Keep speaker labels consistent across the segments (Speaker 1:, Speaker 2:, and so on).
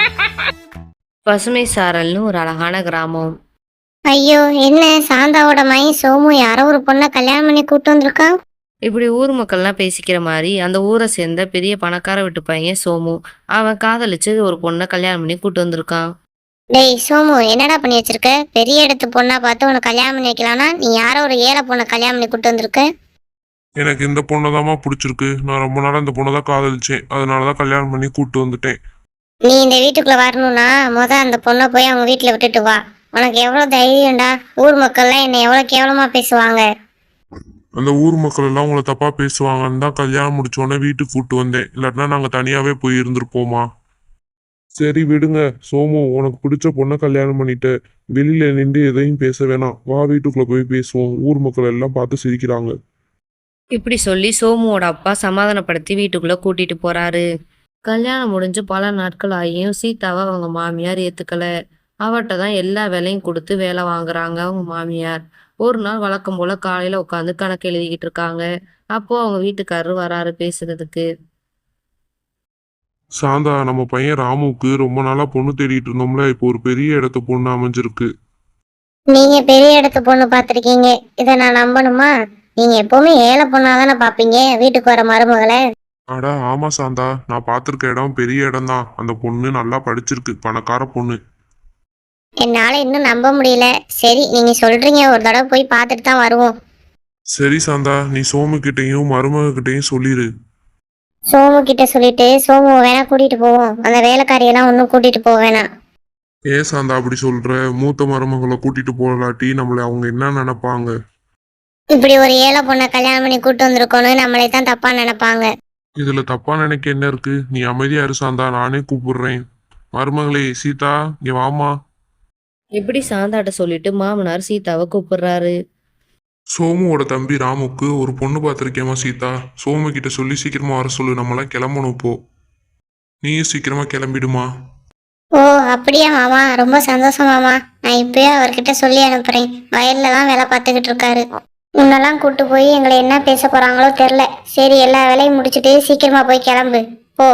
Speaker 1: பசுமை சாரல்னு ஒரு அழகான கிராமம்.
Speaker 2: ஐயோ! என்ன சாந்தாவோட மகன் சோமு யாரோ ஒரு பொண்ண கல்யாணம் பண்ணி கூட்டு வந்திருக்கான்.
Speaker 1: இப்படி ஊர் மக்கள்லாம் பேசிக்கிற மாதிரி அந்த ஊரை சேர்ந்த பெரிய பணக்கார வீட்டு பையன் சோமு. அவன் காதலிச்சு ஒரு பொண்ணை கல்யாணம் பண்ணி கூட்டு வந்திருக்கான்.
Speaker 2: டேய் சோமு, என்னடா பண்ணி வச்சிருக்க? பெரிய இடத்து பொண்ணா பார்த்து உனக்கு கல்யாணம் பண்ணி வைக்கலாம்னா நீ யாரோ ஒரு ஏழை பொண்ணை கல்யாணம் பண்ணி கூட்டு வந்திருக்க.
Speaker 3: எனக்கு இந்த பொண்ணை தாம்மா பிடிச்சிருக்கு. நான் ரொம்ப நாள் இந்த பொண்ணை தான் காதலிச்சேன். அதனால தான் கல்யாணம் பண்ணி கூப்பிட்டு வந்துட்டேன்.
Speaker 2: நீ இந்த வீட்டுக்குள்ள வரணும்னா அந்த பொண்ணை போய் அவங்க வீட்டுல விட்டுட்டு வா. உனக்கு எவ்வளவு தைரியம்டா? ஊர் மக்கள்லாம் என்னை எவ்வளவு கேவலமா பேசுவாங்க.
Speaker 3: அந்த ஊர் மக்கள் எல்லாம் உங்களை தப்பா பேசுவாங்கன்னு தான் கல்யாணம் முடிச்சோடனே வீட்டுக்கு கூப்பிட்டு வந்தேன். இல்லாட்டினா நாங்கள் தனியாவே போய் இருந்திருப்போமா. சரி விடுங்க. சோமு, உனக்கு பிடிச்ச பொண்ணை கல்யாணம் பண்ணிட்ட. வெளியில நின்று எதையும் பேச வேணாம். வா வீட்டுக்குள்ள போய் பேசுவோம். ஊர் மக்கள் எல்லாம் பார்த்து சிரிக்கிறாங்க.
Speaker 1: இப்படி சொல்லி சோமுவோட அப்பா சமாதானப்படுத்தி வீட்டுக்குள்ள கூட்டிட்டு போறாரு. கல்யாணம் முடிஞ்சு பல நாட்கள் ஆகியும் சீதாவை அவங்க மாமியார் ஏத்துக்கல. அவட்ட தான் எல்லா வேலையும் கொடுத்து வேலை வாங்குறாங்க அவங்க மாமியார். ஒரு நாள் வழக்கம் போல காலையில உட்காந்து கணக்கு எழுதிக்கிட்டு இருக்காங்க. அப்போ அவங்க வீட்டுக்காரரு வராரு பேசுறதுக்கு.
Speaker 3: சாந்தா, நம்ம பையன் ராமுவுக்கு ரொம்ப நாளா பொண்ணு தேடிட்டு இருந்தோம்ல. இப்போ ஒரு பெரிய இடத்து பொண்ணு அமைஞ்சிருக்கு.
Speaker 2: நீங்க பெரிய இடத்து பொண்ணு பார்த்திருக்கீங்க, இதை நான் நம்பணுமா? நீங்க எப்பவுமே ஏழை பொண்ணாதானே பாப்பீங்க வீட்டுக்கு வர மருமகளை.
Speaker 3: அடா ஆமா சாந்தா, நான் பார்த்திருக்க இடம் பெரிய இடம் தான். அந்த பொண்ணு நல்லா படிச்சிருக்கு, பணக்கார பொண்ணு.
Speaker 2: என்னால இன்னும் நம்ப முடியல. சரி, நீங்க சொல்றீங்க, ஒரு தடவை போய் பார்த்துட்டு தான் வருவோம்.
Speaker 3: சரி சாந்தா, நீ சோமு கிட்டையும் மருமக கிட்டையும் சொல்லிடு.
Speaker 2: சோமு கிட்ட சொல்லிட்டு சோமுவை வேணா கூட்டிட்டு போவோம். அந்த வேலைக்காரியெல்லாம் ஒன்றும் கூட்டிட்டு போக வேணாம்.
Speaker 3: ஏன் சாந்தா அப்படி சொல்ற? மூத்த மருமகளை கூட்டிட்டு போகலாட்டி நம்மளை அவங்க என்ன நினைப்பாங்க?
Speaker 2: இப்படி ஒரு ஏழை பொண்ணை கல்யாணம் பண்ணி கூட்டு வந்திருக்கோன்னு நம்மளே தான் தப்பா நினைப்பாங்க.
Speaker 3: இதுல தப்பா நினைக்க என்ன இருக்கு? நீ அமைதியா இரு சாந்தா, நானே கூப்பிடுறேன். மருமகளே சீதா, இங்க வாமா.
Speaker 1: இப்படி சாந்தாட்ட சொல்லிட்டு மாமனார் சீதாவை கூப்பிடுறாரு.
Speaker 3: சோமுவோட தம்பி ராமுக்கு ஒரு பொண்ணு பார்த்துருக்கேமா சீதா. சோமு கிட்ட சொல்லி சீக்கிரமா வர சொல்லு. நம்மளாம் கிளம்பணும் இப்போ. நீயும் சீக்கிரமா கிளம்பிடுமா.
Speaker 2: ஓ அப்படியா மாமா, ரொம்ப சந்தோஷம் மாமா. நான் இப்பயே அவர்கிட்ட சொல்லி அனுப்புறேன். வயல்ல தான் வேலை பார்த்துக்கிட்டு இருக்காரு. உன்னெல்லாம் கூட்டு போய் எங்களை என்ன பேச போறாங்களோ தெரில. சரி, எல்லா வேலையும் முடிச்சுட்டு சீக்கிரமா போய் கிளம்பு போ.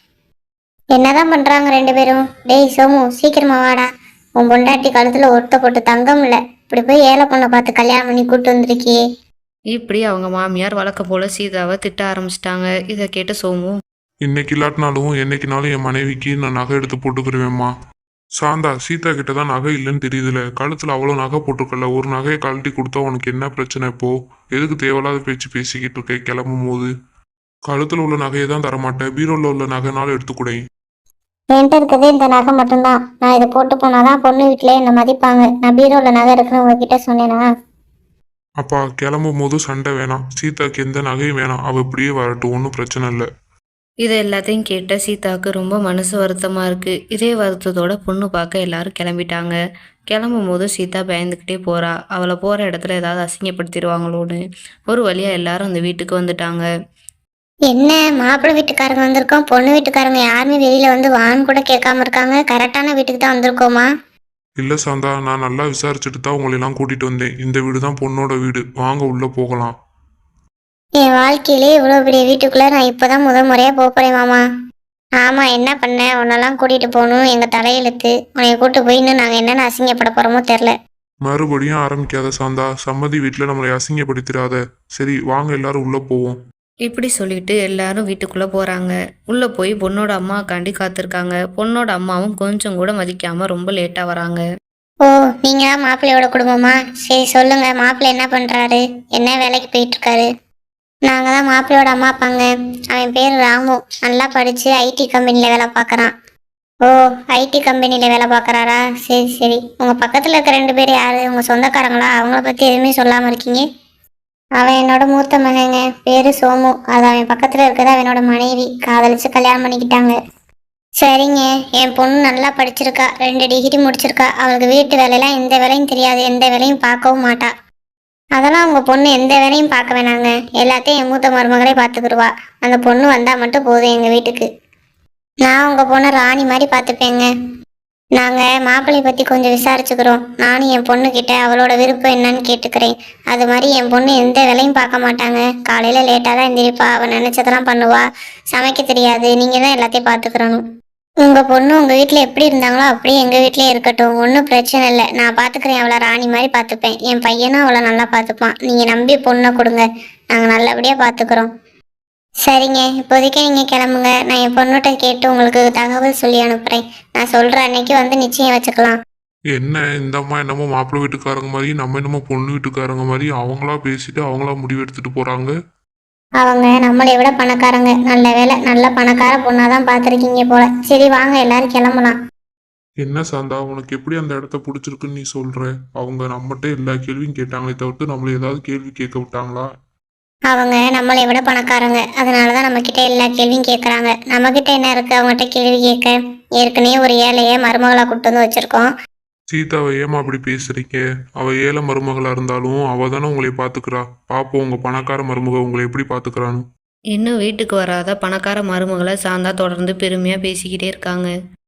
Speaker 2: என்னதான் பண்றாங்க ரெண்டு பேரும்? டேய் சோமு, சீக்கிரமா வாடா. உன் பொண்டாட்டி கழுத்துல ஒருத்த போட்டு தங்கம் இல்ல, இப்படி போய் ஏழை பொண்ணை பார்த்து கல்யாணம் பண்ணி கூட்டு வந்திருக்கியே.
Speaker 1: இப்படி அவங்க மாமியார் வழக்கம் போல சீதாவை திட்ட ஆரம்பிச்சிட்டாங்க. இதை கேட்ட சோமு,
Speaker 3: இன்னைக்கு இல்லாட்டினாலும் என்னைக்குனாலும் என் மனைவிக்கு நான் நகை எடுத்து போட்டுக்கிருவேம்மா. சாந்தா, சீதா கிட்ட தான் நகை இல்லைன்னு தெரியுதுல. கழுத்துல அவ்வளோ நகை போட்டிருக்கல. ஒரு நகையை கழட்டி கொடுத்தா உனக்கு என்ன பிரச்சனை இப்போ? எதுக்கு தேவையில்லாத பேச்சு பேசிக்கிட்டு இருக்க? கிளம்பும் போது கழுத்துல உள்ள நகையை தான் தரமாட்டேன். பீரோல உள்ள நகைனாலும் எடுத்துக்கூட.
Speaker 2: என்கிட்ட இருக்கிறதே இந்த நகை மட்டும்தான். நான் இதை போட்டு போனாதான் பொண்ணு வீட்டிலே என்னை மதிப்பாங்க. நான் பீரோல நகை இருக்குன்னு உங்ககிட்ட சொன்னேனா?
Speaker 3: அப்பா, கிளம்பும் போது சண்டை வேணாம். சீதாக்கு எந்த நகையும் வேணாம். அவ இப்படியே வரட்டும், ஒன்றும் பிரச்சனை இல்லை.
Speaker 1: இதை எல்லாத்தையும் கேட்ட சீதாவுக்கு ரொம்ப மனசு வருத்தமாக இருக்குது. இதே வருத்தத்தோட பொண்ணு பார்க்க எல்லாரும் கிளம்பிட்டாங்க. கிளம்பும் போது சீதா பயந்துக்கிட்டே போகிறா. அவளை போகிற இடத்துல ஏதாவது அசிங்கப்படுத்திடுவாங்களோன்னு. ஒரு வழியாக எல்லாரும் அந்த வீட்டுக்கு வந்துட்டாங்க.
Speaker 2: என்ன, மாப்பிள்ளை வீட்டுக்காரங்க வந்திருக்கோம், பொண்ணு வீட்டுக்காரங்க யாருமே வெளியில வந்து வான்னு கூட கேட்காம இருக்காங்க. கரெக்டான வீட்டுக்கு தான் வந்திருக்கோமா?
Speaker 3: இல்லை சாந்தா, நான் நல்லா விசாரிச்சுட்டு தான் உங்களெல்லாம் கூட்டிட்டு வந்தேன். இந்த வீடு தான் பொண்ணோட வீடு. வாங்க உள்ள போகலாம்.
Speaker 2: என் வாழ்க்கையிலே இவ்வளோ பெரிய வீட்டுக்குள்ள நான் இப்போதான் முறையா போறேன் மாமா. ஆமா, என்ன பண்ண? உன்னெல்லாம் கூட்டிட்டு போகணும் எங்க தலையெழுத்து. உன்னைய கூட்டு போய் இன்னும் நாங்க என்னென்ன அசிங்கப்பட போறோமோ தெரில.
Speaker 3: மறுபடியும் ஆரம்பிக்காத சாந்தா. சம்மதி வீட்டில் நம்மளை அசிங்கப்படுத்திடாத. சரி வாங்க, எல்லாரும் உள்ள போவோம்.
Speaker 1: இப்படி சொல்லிட்டு எல்லாரும் வீட்டுக்குள்ளே போகிறாங்க. உள்ளே போய் பொண்ணோட அம்மாக்காண்டி காத்திருக்காங்க. பொண்ணோட அம்மாவும் கொஞ்சம் கூட மதிக்காமல் ரொம்ப லேட்டாக வராங்க.
Speaker 2: ஓ, நீங்க தான் மாப்பிள்ளையோட குடும்பமா? சரி சொல்லுங்க, மாப்பிள்ளை என்ன பண்றாரு? என்ன வேலைக்கு போயிட்டு இருக்காரு? நாங்க தான் மாப்பிள்ளையோட அம்மா அப்பாங்க. அவன் பேர் ராமு. நல்லா படிச்சு ஐடி கம்பெனில வேலை பார்க்கறான். ஓ, ஐடி கம்பெனில வேலை பார்க்கறாரா? சரி சரி. உங்க பக்கத்துல இருக்க ரெண்டு பேர் யாரு? உங்க சொந்தக்காரங்களா? அவங்கள பத்தி எதுவுமே சொல்லாம இருக்கீங்க. அவன் என்னோட மூத்த மகங்க, பேரு சோமு. அது அவன் பக்கத்துல இருக்கிறது அவனோட மனைவி. காதலிச்சு கல்யாணம் பண்ணிக்கிட்டாங்க. சரிங்க, என் பொண்ணு நல்லா படிச்சிருக்கா, 2 டிகிரி முடிச்சிருக்கா. அவளுக்கு வீட்டு வேலையெல்லாம் எந்த வேலையும் தெரியாது, எந்த வேலையும் பார்க்கவும் மாட்டா. அதெல்லாம் உங்க பொண்ணு எந்த வேலையும் பார்க்க வேணாங்க. எல்லாத்தையும் என் மூத்த மருமகளே பார்த்துக்கிடுவா. அந்த பொண்ணு வந்தா மட்டும் போதும் எங்க வீட்டுக்கு. நான் உங்க பொண்ணை ராணி மாதிரி பார்த்துப்பேங்க. நாங்க மாப்பிள்ளையை பத்தி கொஞ்சம் விசாரிச்சுக்கிறோம். நானும் என் பொண்ணு கிட்ட அவளோட விருப்பம் என்னன்னு கேட்டுக்கிறேன். அது மாதிரி என் பொண்ணு எந்த வேலையும் பார்க்க மாட்டாங்க. காலையில லேட்டா தான் எந்திரிப்பா. அவன் நினைச்சதெல்லாம் பண்ணுவா. சமைக்க தெரியாது. நீங்க தான் எல்லாத்தையும் பார்த்துக்கிறணும். உங்க பொண்ணு உங்க வீட்ல எப்படி இருந்தாங்களோ அப்படியே எங்க வீட்லயே இருக்கட்டும், ஒன்றும் பிரச்சனை இல்லை. நான் பாத்துக்கிறேன், அவளை ராணி மாதிரி பாத்துப்பேன். என் பையனும் அவளை நல்லா பாத்துப்பான். நீங்க நம்பி பொண்ணை கொடுங்க, நாங்க நல்லபடியா பாத்துக்கிறோம். சரிங்க, இப்போதைக்கு நீங்க கிளம்புங்க. நான் என் பொண்ணுகிட்ட கேட்டு உங்களுக்கு தகவல் சொல்லி அனுப்புறேன். நான் சொல்ற அன்னைக்கு வந்து நிச்சயம் வச்சுக்கலாம்.
Speaker 3: என்ன இந்த அம்மா என்னமோ மாப்பிள்ளை வீட்டுக்காரங்க மாதிரி நம்ம என்னமோ பொண்ணு வீட்டுக்காரங்க மாதிரி அவங்களா பேசிட்டு அவங்களா முடிவு எடுத்துட்டு போறாங்க.
Speaker 2: அவங்க நம்மளை விட பணக்காரங்க. நல்ல வேலை, நல்ல பணக்கார பொண்ணாதான் பார்த்துருக்கீங்க போல. சரி வாங்க, எல்லாரும் கிளம்பலாம்.
Speaker 3: என்ன சாந்தா உனக்கு எப்படி அந்த இடத்த பிடிச்சிருக்குன்னு நீ சொல்ற? அவங்க நம்மகிட்ட எல்லா கேள்வியும் கேட்டாங்களே தவிர்த்து நம்மள ஏதாவது கேள்வி கேட்க விட்டாங்களா?
Speaker 2: அவங்க நம்மளை விட பணக்காரங்க, அதனாலதான் நம்ம கிட்ட எல்லா கேள்வியும் கேட்கறாங்க. நம்ம கிட்ட என்ன இருக்கு அவங்ககிட்ட கேள்வி கேட்க? ஏற்கனவே ஒரு ஏழைய மருமகளா கூட்டு வந்து வச்சிருக்கோம்.
Speaker 3: சீதாவை ஏமா அப்படி பேசுறீங்க? அவ ஏழை மருமகளா இருந்தாலும் அவ தானே உங்களை பாத்துக்கிறா. பாப்போம் உங்க பணக்கார மருமக உங்களை எப்படி பாத்துக்கிறான்னு.
Speaker 1: இன்னும் வீட்டுக்கு வராத பணக்கார மருமகளை சாந்தா தொடர்ந்து பெருமையாக பேசிக்கிட்டே இருக்காங்க.